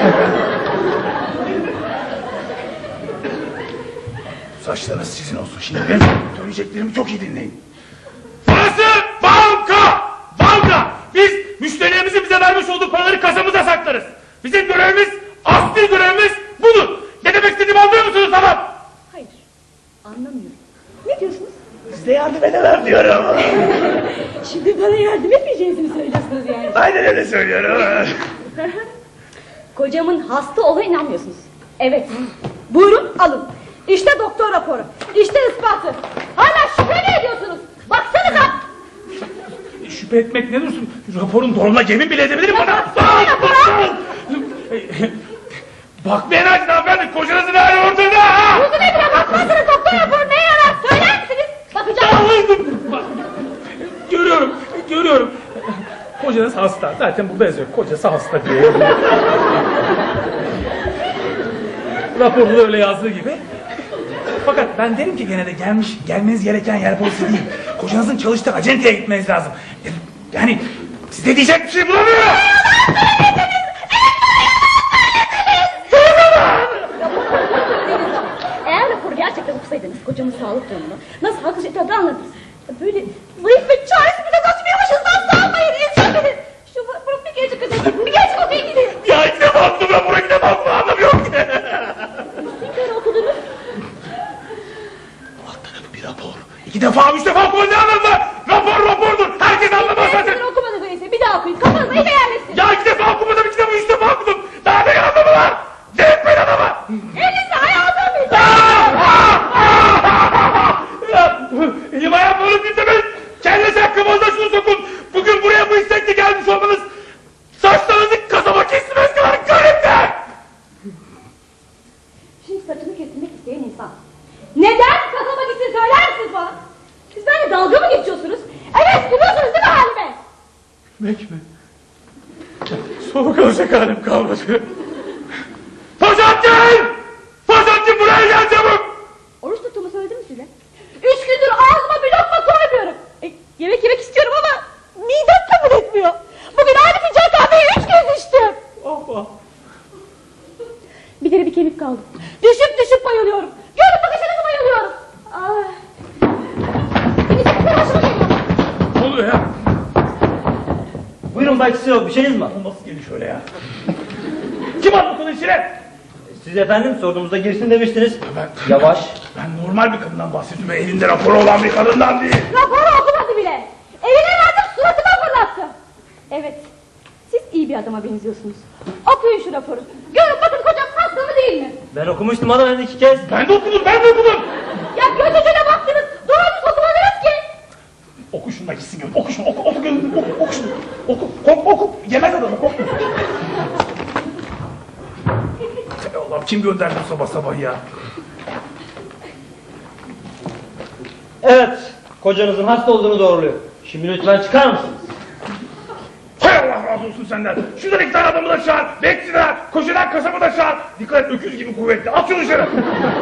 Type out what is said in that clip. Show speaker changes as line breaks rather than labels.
Saçlarınız sizin olsun. Şimdi ben söyleyeceklerimi çok iyi dinleyin. Burası banka! Banka! Biz müşterilerimizin bize vermiş olduğu paraları kasamıza saklarız. Bizim görevimiz, asli görevimiz budur. Ne demek istediğimi anlıyor musunuz tamam?
Hayır, anlamıyorum. Ne diyorsunuz?
Size yardım edemem diyorum.
Şimdi bana yardım etmeyeceğinizi mi söylüyorsunuz yani?
Aynen öyle söylüyorum.
Kocamın hasta olduğuna inanmıyorsunuz. Evet, buyurun alın. İşte doktor raporu, işte ispatı. Hala şüphe mi ediyorsunuz? Baksanıza!
Şüphe etmek ne dursun? Raporun doğruluğuna yemin bile edebilirim bana. Bakmayın hadi hanımefendi, kocanızın hali ortada.
Yüzüne bile bakmazsınız, doktor raporu neye yarar? Söyler misiniz? Bakacağım.
Görüyorum. Kocanız hasta. Zaten burada yazıyor. Kocası hasta diye. Raporda da öyle yazdığı gibi. Fakat ben derim ki gene de gelmeniz gereken yer polisi değil. Kocanızın çalıştığı acenteye gitmeniz lazım. Yani size diyecek bir şey bulamıyorum.
Eğer raporu gerçekten okusaydınız kocamın sağlık durumunu nasıl haklı şey tabii anladınız. Böyle zayıf ve çaresiz bir de kaçmıyormuşuz. Nasıl almayın insan beni. Şu raporu bir gece okuyun. Bir gece okuyun gidin.
Ya ilk defa okudum rapora, ilk defa okudum, anlamıyorum ki.
Bir kere okudunuz.
Alt tarafı bir rapor. 2 defa 3 defa okumanın ne anlamı var? Rapordur. Herkes anlamaz zaten.
Bir okumadınız öyleyse bir daha okuyun. Kafanıza iyice yerleşsin.
Ya 2 defa okumadım, 2 defa 3 defa okudum. Daha ne anlamı var? Delirtmeyin adamı.
Elinizi ayağınıza bir.
Elim ayağım onu dinlemeyin. Kendinize hakkımızda şunu sokun. Bugün buraya bu istekle gelmiş olmanız saçlarınızı kasaba kesmez kadar garipler.
Şimdi saçını kestirmek isteyen insan. Neden kasaba gitsin söyler misiniz bana? Siz benimle dalga mı geçiyorsunuz? Evet biliyorsunuz değil mi halime?
Gitmek mi? Soğuk alacak halim kalmadı. Fazattin! Fazattin buraya gel çabuk!
Oruç tuttuğumu söyledim mi size? 3 gündür ağzıma bir lokma koymuyorum. Yemek yemek istiyorum ama midem kabul etmiyor. Bugün aynı fincan kahveyi 3 kez içtim.
Oh.
Bir deri bir kemik kaldı. Düşüp bayılıyorum. Görüp bakışınızı bayılıyorum. Ay. Beni çok başıma geliyor.
Ne oluyor ya?
Buyurun Bay Çisil, bir şeyiniz mi var?
Bu nasıl geliş öyle ya? Kim attı bunun içine?
Siz efendim sorduğumuzda girsin demiştiniz.
Ben-
Yavaş.
Ben normal bir kadından bahsediyorum ve elinde raporu olan bir kadından değil.
Raporu okumadı bile. Eline verdim suratıma fırlattı. Evet. Siz iyi bir adama benziyorsunuz. Okuyun şu raporu. Görün bakın kocam hasta mı değil mi?
Ben okumuştum adam 2 kez.
Ben de okudum.
Ya gözücüne baktınız. Doğru düz okumadınız ki.
Oku şunu da gitsin gör. Oku şunu, oku şunu. Oku. Yemez adamı, korkma. Ey Allah'ım, kim gönderdi bu sabah sabah ya?
Evet, kocanızın hasta olduğunu doğruluyor. Şimdi lütfen çıkar mısınız?
Hay Allah razı olsun senden. Şuradan 2 tane adamı da çağır. Bekçiler, koşudan kasabı da çağır. Dikkat et, öküz gibi kuvvetli. At şunu dışarı.